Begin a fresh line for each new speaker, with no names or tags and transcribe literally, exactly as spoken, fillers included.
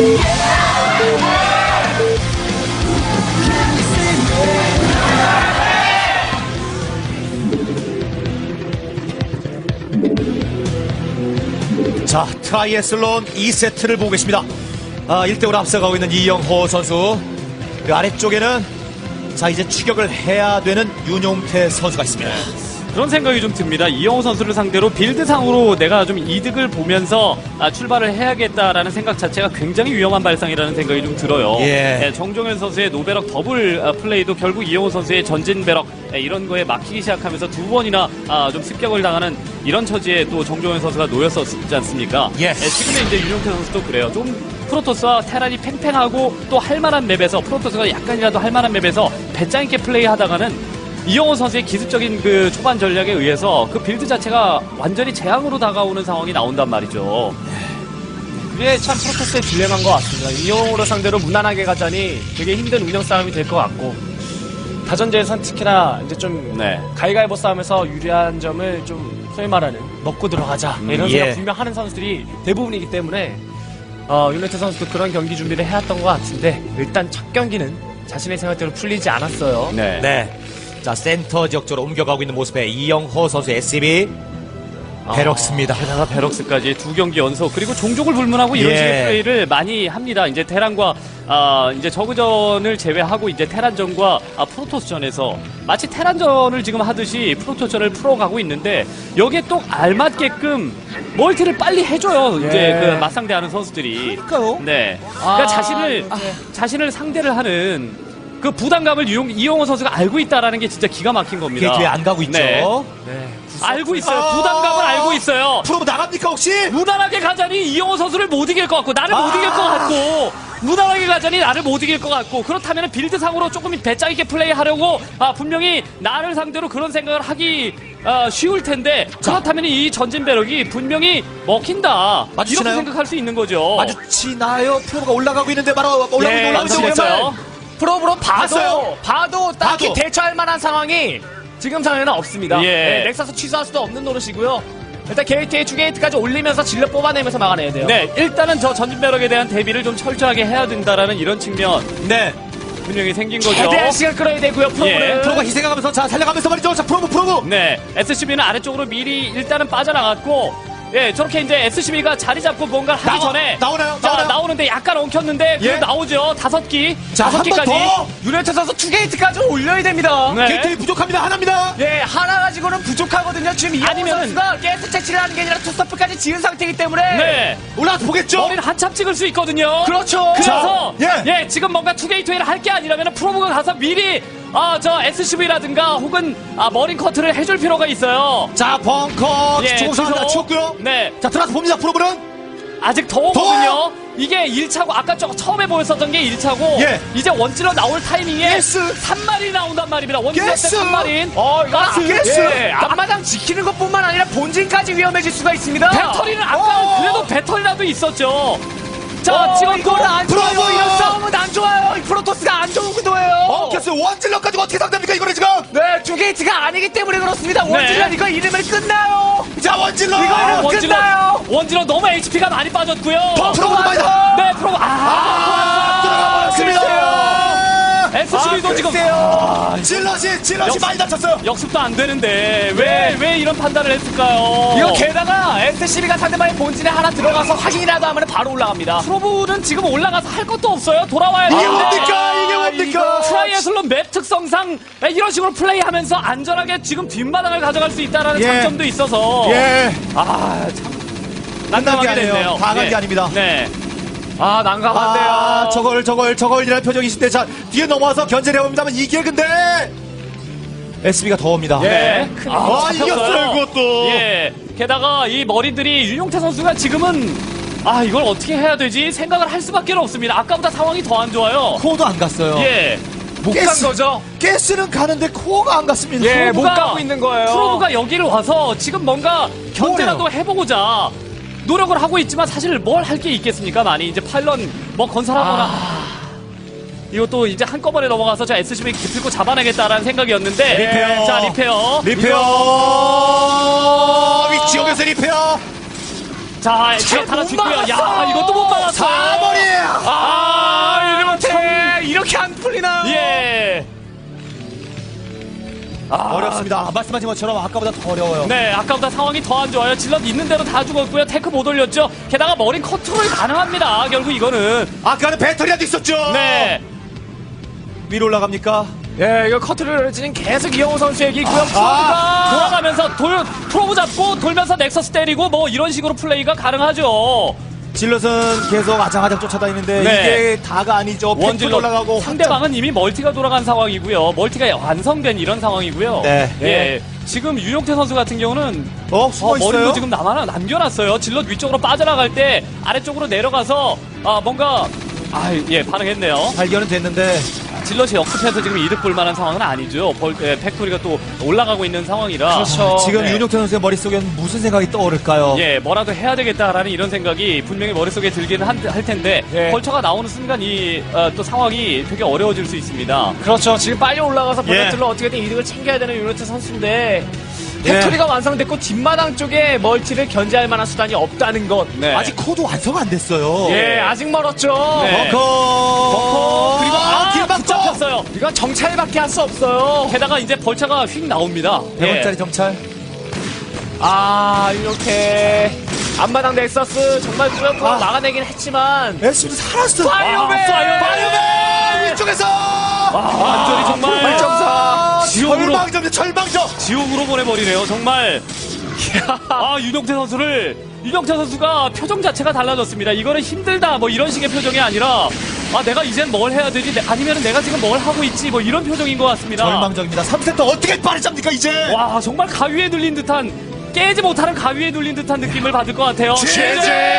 자, 트라이애슬론 이 세트를 보고 계십니다. 아, 일 대 오로 앞서가고 있는 이영호 선수. 그 아래쪽에는 자, 이제 추격을 해야 되는 윤용태 선수가 있습니다.
그런 생각이 좀 듭니다. 이영호 선수를 상대로 빌드상으로 내가 좀 이득을 보면서 아, 출발을 해야겠다라는 생각 자체가 굉장히 위험한 발상이라는 생각이 좀 들어요.
예.
네, 정종현 선수의 노베럭 더블 아, 플레이도 결국 이영호 선수의 전진 베럭 네, 이런 거에 막히기 시작하면서 두 번이나 아, 좀 습격을 당하는 이런 처지에 또 정종현 선수가 놓였었지 않습니까?
예.
네, 지금의 이제 윤용태 선수도 그래요. 좀 프로토스와 테란이 팽팽하고 또 할만한 맵에서 프로토스가 약간이라도 할만한 맵에서 배짱 있게 플레이하다가는 이영호 선수의 기습적인 그 초반 전략에 의해서 그 빌드 자체가 완전히 재앙으로 다가오는 상황이 나온단 말이죠.
그게 참 프로토스의 딜레마인 것 같습니다. 이영호로 상대로 무난하게 가자니 되게 힘든 운영 싸움이 될 것 같고 다전제에선 특히나 이제 좀
네.
가위가위보 싸움에서 유리한 점을 좀 소위 말하는 먹고 들어가자
음,
이런
예.
생각 분명 하는 선수들이 대부분이기 때문에 어, 윤용태 선수도 그런 경기 준비를 해왔던 것 같은데 일단 첫 경기는 자신의 생각대로 풀리지 않았어요.
네.
네. 자, 센터 지역 쪽으로 옮겨가고 있는 모습의 이영호 선수 에스씨비 베럭스입니다.
게다가 베럭스까지 두 경기 연속 그리고 종족을 불문하고 이런
예.
식의 플레이를 많이 합니다. 이제 테란과 아, 이제 저그전을 제외하고 이제 테란전과 아, 프로토스전에서 마치 테란전을 지금 하듯이 프로토스전을 풀어가고 있는데 여기에 또 알맞게끔 멀티를 빨리 해줘요.
예.
이제 그 맞상대하는 선수들이.
그러니까요.
네. 그러니까
아,
자신을 자신을 상대를 하는 그 부담감을 이용, 이영호 선수가 알고 있다라는 게 진짜 기가 막힌 겁니다.
게이트에 안 가고 있죠.
네.
네.
알고 있어요.
아~
부담감을 알고 있어요.
프로브 나갑니까 혹시?
무난하게 가자니 이영호 선수를 못 이길 것 같고 나를
아~
못 이길 것 같고 무난하게 가자니 나를 못 이길 것 같고 그렇다면 빌드상으로 조금 배짱 있게 플레이하려고 아, 분명히 나를 상대로 그런 생각을 하기 아, 쉬울 텐데 그렇다면 이 전진 배럭이 분명히 먹힌다.
마주치나요?
이렇게 생각할 수 있는 거죠.
마주치나요? 프로브가 올라가고 있는데 바로 올라가고
예,
있는 올라가고 있는
마주치겠어요.
프로브로 봐도
봤어요?
봐도 딱히
봐도.
대처할 만한 상황이 지금 상황에는 없습니다.
예.
네, 넥서스 취소할 수도 없는 노릇이고요. 일단 게이트에 투게이트까지 올리면서 질러 뽑아내면서 막아내야 돼요.
네, 일단은 저 전진 배럭에 대한 대비를 좀 철저하게 해야 된다라는 이런 측면
네.
분명히 생긴 거죠.
최대한 시간 끌어야 되고요. 프로브를.
예.
프로가 희생하면서 자 살려가면서 말이죠. 자 프로브 프로브.
네, 에스씨비는 아래쪽으로 미리 일단은 빠져나갔고, 예, 저렇게 이제 에스씨비가 자리 잡고 뭔가를 하기
나와-
전에
나오나요?
자,
나오나요?
나오는데 약간 엉켰는데
예.
그 나오죠. 다섯 기,
자,
다섯
한 번
기까지.
더.
유네트 선수 투게이트까지 올려야 됩니다.
네.
게이트 부족합니다. 하나입니다.
예, 하나 가지고는 부족하거든요. 지금 이영호
아니면은-
선수가 게이트 채취를 하는 게 아니라 투스토프까지 지은 상태이기 때문에.
네,
올라가서 보겠죠.
머리를 한참 찍을 수 있거든요.
그렇죠.
그래서
자, 예.
예, 지금 뭔가 투게이트웨이를 할 게 아니라면 프로브가 가서 미리 아, 저 에스씨비라든가 혹은 아, 머린 커트를 해줄 필요가 있어요.
자 벙커
예,
조금씩 하나
취소.
치웠고요.
네,
자 들어가서 봅니다. 프로브는
아직 더우거든요. 이게 일 차고 아까 저 처음에 보였었던 게 일 차고
예.
이제 원질러 나올 타이밍에
예스.
삼 마리 나온단 말입니다. 원질러 때
예스.
삼 마리.
어, 이거
가스.
예스.
예, 앞마당 지키는 것뿐만 아니라 본진까지 위험해질 수가 있습니다.
배터리는 아까
어.
그래도 배터리라도 있었죠. 자,
어,
찍었고
이거는 안 좋아요.
프로브.
이런 싸움은 안 좋아요. 이 프로토스가 안 좋은 구도예요.
어 캐스 원질러까지 어떻게 상대합니까 이거는 지금?
네, 투게이트가 아니기 때문에 그렇습니다. 원질러 이거 이름을 끝나요.
자 원질러.
이거 이름
원질러
끝나요.
원질러 너무 에이치피가 많이 빠졌고요.
프로브 많이다.
네, 프로 아,
아 들어가 버렸습니다.
에스씨비도 지금
글쎄요. 질럿이 질럿이
역시-
많이 다쳤어요.
역습도 안 되는데 왜 왜 이런 판단을 했을까요?
이거 게다가 에스씨비가 상대방의 본진에 하나 들어가서 확인이라도 하면 바로 올라갑니다.
프로브는 지금 올라가서 할 것도 없어요. 돌아와야
이게
되는데.
뭡니까? 이게 뭡니까?
트라이애슬론 맵 특성상 이런 식으로 플레이하면서 안전하게 지금 뒷마당을 가져갈 수 있다는
예.
장점도 있어서
예.
아, 참
끝난 게
난감하게
아니에요.
됐네요.
다 간 게
예.
아닙니다.
네.
아, 난감한데요.
아, 저걸 저걸 저걸이라는 표정이 있을 때 자 뒤에 넘어와서 견제를 해봅니다만 이게 근데 에스비가 더 옵니다.
네.
아, 이겼어요, 그것도.
예. 게다가 이 머리들이 윤용태 선수가 지금은 아, 이걸 어떻게 해야 되지? 생각을 할 수밖에 없습니다. 아까보다 상황이 더 안 좋아요.
코어도 안 갔어요.
예.
못 간
가스.
거죠?
가스는 가는데 코어가 안 갔습니다.
예, 못
프로브가-
가고 있는 거예요.
프로브가 여기를 와서 지금 뭔가 견제라도 해보고자 노력을 하고 있지만 사실 뭘 할 게 있겠습니까? 많이 이제 파일런 뭐 건설하거나
아.
이것도 이제 한꺼번에 넘어가서 저 에스씨비 기필고 잡아내겠다라는 생각이었는데
리페어.
자 리페어
리페어 위치역에서 리페어
자 지역 하나
못
뒷고요. 야
막았어.
이것도 못 막았어요.
사거리
이렇게 안 풀리나요?
예. 아,
어렵습니다. 말씀하신 것처럼 아까보다 더 어려워요.
네, 아까보다 상황이 더 안 좋아요. 질럿 있는 대로 다 죽었고요. 테크 못 올렸죠. 게다가 머리 컨트롤이 가능합니다. 결국 이거는.
아까는 배터리라도 있었죠.
네.
위로 올라갑니까?
예, 이거 커트롤지는 계속 이영호 선수에게 있고요.
프로브가
아!
돌아가면서 돌, 프로브 잡고 돌면서 넥서스 때리고 뭐 이런 식으로 플레이가 가능하죠.
질럿은 계속 아장아장 쫓아다니는데
네.
이게 다가 아니죠. 팩토리
원질럿
올라가고
상대방은 이미 멀티가 돌아간 상황이고요. 멀티가 완성된 이런 상황이고요.
네.
예. 지금 유용태 선수 같은 경우는
어, 숨어
어,
있어요.
머리도 지금 남아 남겨놨어요. 질럿 위쪽으로 빠져나갈 때 아래쪽으로 내려가서 아 뭔가 아 예 반응했네요.
발견은 됐는데
질럿이 역습해서 지금 이득 볼 만한 상황은 아니죠. 벌, 예, 팩토리가 또 올라가고 있는 상황이라.
그렇죠.
지금
네.
윤용태 선수의 머릿속엔 무슨 생각이 떠오를까요?
예, 뭐라도 해야 되겠다라는 이런 생각이 분명히 머릿속에 들기는 한- 할 텐데
예.
벌처가 나오는 순간 이 어, 또 상황이 되게 어려워질 수 있습니다.
그렇죠. 지금 빨리 올라가서
예.
포인트로 어떻게든 이득을 챙겨야 되는 유니트 선수인데
예.
팩토리가 완성됐고 뒷마당 쪽에 멀티를 견제할 만한 수단이 없다는 것.
네.
아직 코드 완성 안 됐어요.
예, 아직 멀었죠.
네.
버커
그리고 아,
길막죠.
붙잡혔어요.
이건 정찰밖에 할 수 없어요.
게다가 이제 벌처가 휙 나옵니다.
백
예.
원짜리 정찰.
아, 이렇게 앞마당 넥서스 정말 꾸역꾸역
아.
막아내긴 했지만
에스도 살았어.
파이어맨!
아, 파이어맨!
파이어맨! 위쪽에서
완전히 정말
팔 점 사.
지옥으로.
절망점이야 절망점.
지옥으로 보내버리네요. 정말. 아, 윤용태 선수를, 윤용태 선수가 표정 자체가 달라졌습니다. 이거는 힘들다, 뭐 이런 식의 표정이 아니라, 아, 내가 이젠 뭘 해야 되지? 아니면 내가 지금 뭘 하고 있지? 뭐 이런 표정인 것 같습니다.
절망적입니다. 삼 세트 어떻게 빠르잡니까 이제?
와, 정말 가위에 눌린 듯한, 깨지 못하는 가위에 눌린 듯한 느낌을 받을 것 같아요.
제재!